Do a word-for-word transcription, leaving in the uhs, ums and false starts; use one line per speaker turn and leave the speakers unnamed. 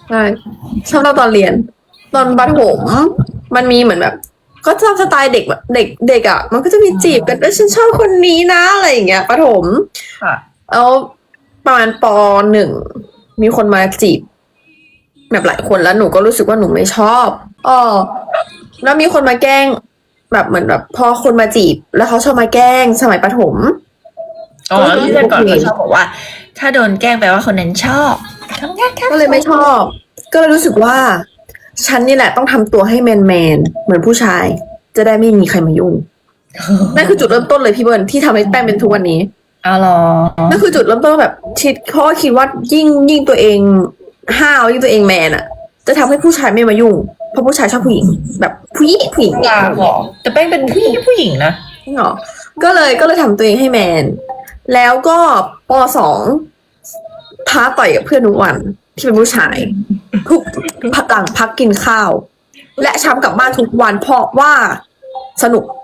ใช่ชอบเราตอนเรียน ตอนประถมมันมีเหมือนแบบ ก็ชอบสไตล์เด็กแบบเด็กเด็กอ่ะ มันก็จะมีจีบกันว่าฉันชอบคนนี้นะอะไรอย่างเงี้ยประถม
ค่ะ
แล้วประมาณปหนึ่งมีคนมาจีบ แบบหลายคนแล้วหนูก็รู้สึกว่าหนูไม่ชอบอ๋อแล้วมีคนมาแกล้ง แบบเหมือนแบบพอคนมาจีบ แล้วเขาชอบมาแกล้งสมัยประถม
อ๋อเพื่อนก่อนก็ชอบบอกว่า ถ้าโดนแกล้งแปลว่าคนนั้นชอบ
ก็เลยไม่ชอบ ก็เลยรู้สึกว่า ฉันนี่แหละต้องทำตัวให้แมนแมนๆเหมือนผู้ชาย จะได้ไม่มีใครมายุ่ง นั่นคือจุดเริ่มต้นเลยพี่เบิร์นที่ทำให้แป้งเป็นทุกวันนี้
เอาหรอ
นั่นคือจุดเริ่มต้นแบบคิดเพราะว่าคิดว่ายิ่งยิ่งตัวเองห้าวยิ่งตัวเองแมนอะจะทำให้ผู้ชายไม่มายุ่ง เพราะผู้ชายชอบผู้หญิง แบบผู้หญิงผู้หญิง
อยากหรอแต่แป้งเป็นผู้หญิงผู้หญิงนะ
จริงเหรอก็เลยก็เลยทำตัวเองให้แมน แล้วก็ปสองท้าต่อยกับเพื่อนทุกวันที่เป็นผู้ชายทุกหลังพักกินข้าว และช้ำกลับบ้านทุกวันเพราะว่าสนุก